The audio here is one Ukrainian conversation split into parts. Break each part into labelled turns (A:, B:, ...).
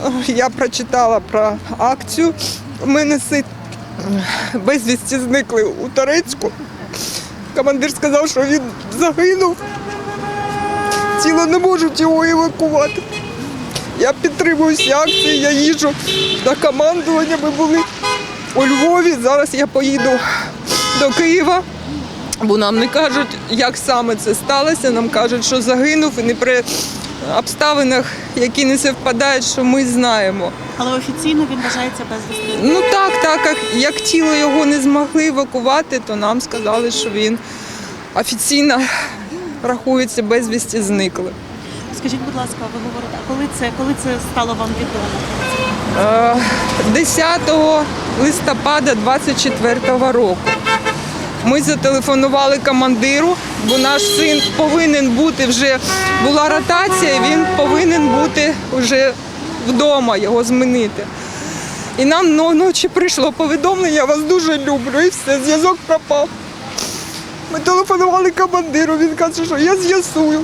A: Я прочитала про акцію. У мене син безвісті зникли у Торецьку. Командир сказав, що він загинув. Тіло не можуть його евакувати. Я підтримую всі акції, я їжджу до командування. Ми були у Львові, зараз я поїду до Києва, бо нам не кажуть, як саме це сталося. Нам кажуть, що загинув і не при обставинах, які не співпадають, що ми знаємо.
B: Але офіційно він вважається безвісним?
A: Ну так, як тіло його не змогли евакувати, то нам сказали, що він офіційно рахується безвісті зниклим.
B: Скажіть, будь ласка, ви говорите, коли це стало вам відомо?
A: 10 листопада 24-го року. Ми зателефонували командиру, бо наш син повинен бути вже, була ротація, він повинен бути вже вдома, його змінити. І нам ночі прийшло повідомлення, я вас дуже люблю, і все, зв'язок пропав. Ми телефонували командиру, він каже, що я з'ясую.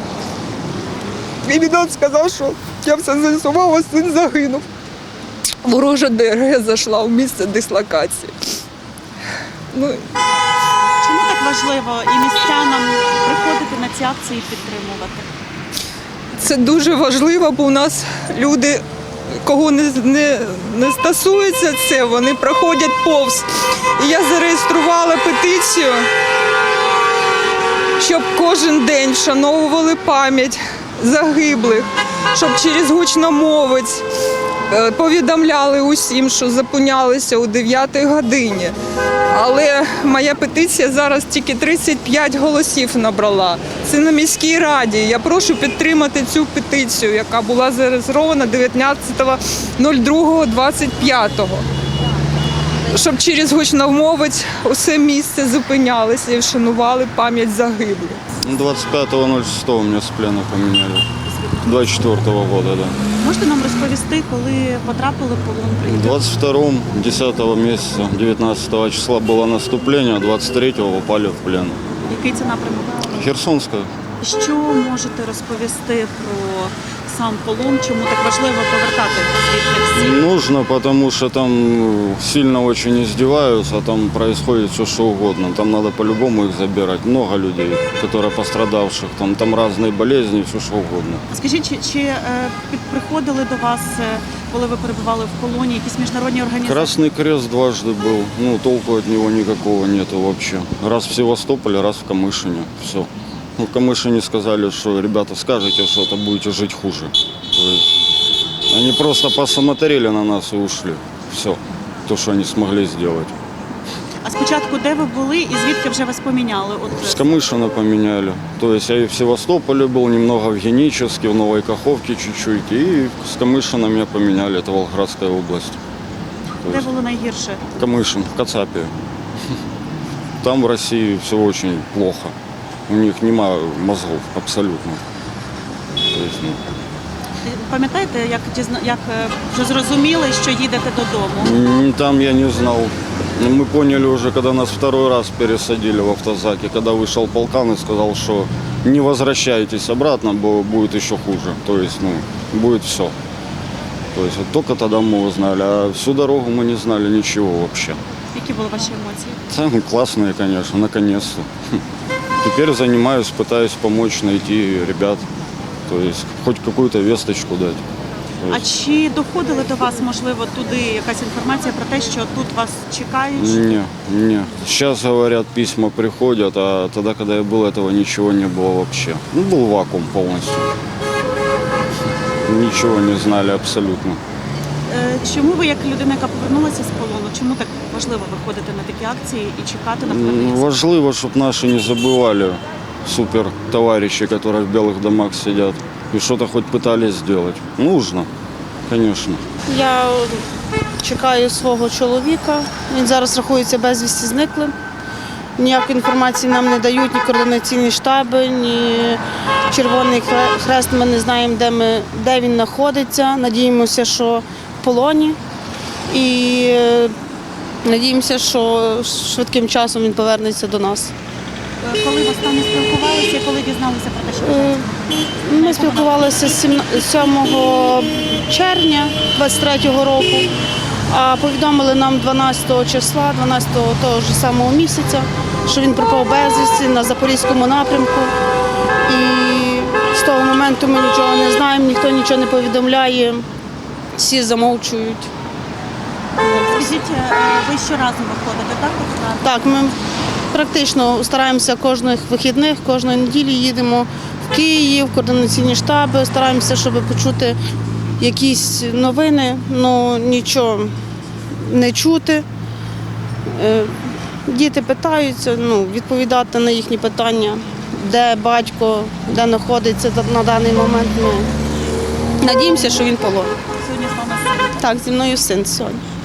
A: І він нам сказав, що я все з'ясував, а син загинув. Ворожа ДРГ зайшла в місце дислокації.
B: Чому так важливо і містянам приходити на ці акції і підтримувати?
A: Це дуже важливо, бо у нас люди, кого не стосується це, вони проходять повз. І я зареєструвала петицію, щоб кожен день вшановували пам'ять загиблих, щоб через гучномовець повідомляли усім, що зупинялися о 9-й годині. Але моя петиція зараз тільки 35 голосів набрала. Це на міській раді. Я прошу підтримати цю петицію, яка була зареєстрована 19.02.25. Щоб через гучномовець усе місце зупинялося і вшанували пам'ять загиблих.
C: 25.06 меня с плена поменяли. 24-го года, да.
B: Можете нам розповісти, коли потрапили в полон?
C: 22-м, 10 месяца, 19 числа было наступление, 23-го попали в плен.
B: Який це напрямок?
C: Херсонская.
B: Що можете розповісти про сам полон? Чому так важливо повертати звідти всіх?
C: Нужно, потому что там сильно очень издеваются, там происходит все что угодно. Там надо по-любому их забирать. Много людей, которые пострадавших, там разные болезни, все что угодно.
B: Скажіть, чи приходили до вас, коли ви перебували в полоні, якісь міжнародні організації?
C: Красный Крест дважды был, толку от него никакого нету вообще. Раз в Севастополе, раз в Камышине, все. В Камышине сказали, что ребята, скажете что-то, будете жить хуже. То есть они просто посмотрели на нас и ушли. Все, то, что они смогли сделать.
B: А спочатку де ви були і звідки вже вас поміняли?
C: С Камышина поменяли. То есть я и в Севастополе был, немного в Геническе, в Новой Каховке чуть-чуть. И с Камышина меня поменяли, это Волгоградская область.
B: Де було найгірше?
C: Камышин, в Кацапе. Там в России все очень плохо. У них нема мозгов абсолютно. То есть,
B: Пам'ятаєте, як вже зрозуміли, що їдете додому?
C: Там я не знал. Мы поняли уже, когда нас второй раз пересадили в автозаке, когда вышел полкан и сказал, что не возвращайтесь обратно, бо будет еще хуже. То есть, будет все. То есть, вот только тогда мы узнали, а всю дорогу мы не знали ничего вообще.
B: Які були ваші емоції?
C: Там классные, конечно, наконец-то. Теперь занимаюсь, пытаюсь помочь найти ребят, то есть хоть какую-то весточку дать.
B: А чи доходили до вас, можливо, туди якась інформація про те, що тут вас чекають?
C: Не. Сейчас, говорят, письма приходят, а тогда, когда я был, этого ничего не было вообще. Был вакуум полностью. Ничего не знали абсолютно.
B: Чому ви, як людина, яка повернулася з полону, чому так важливо виходити на такі акції і чекати на повернення?
C: Важливо, щоб наші не забывали супер товарищи, которые в белых домах сидят, и что-то хоть пытались сделать. Нужно, конечно.
D: Я чекаю свого чоловіка. Він зараз рахується безвісті зниклим. Ніякої інформації нам не дають ні координаційні штаби, ні Червоний Хрест. Ми не знаємо, де він знаходиться. Надіємося, що в полоні. І надіємося, що швидким часом він повернеться до нас.
B: Коли ви останнє спілкувалися, коли дізналися? дізналися про те, що
D: Ми спілкувалися з 7 червня 23-го року, а повідомили нам 12 числа, 12-го того ж самого місяця, що він пропав безвісти на Запорізькому напрямку. І з того моменту ми нічого не знаємо, ніхто нічого не повідомляє, всі замовчують.
B: Скажіть, ви щоразу виходите, так?
D: Так, ми практично стараємося кожних вихідних, кожної неділі їдемо в Київ, в координаційні штаби, стараємося, щоб почути якісь новини, але нічого не чути. Діти питаються, відповідати на їхні питання, де батько, де знаходиться на даний момент. Ми надіємося, що він полон.
B: Сьогодні з вами син.
D: Так, зі мною син сьогодні.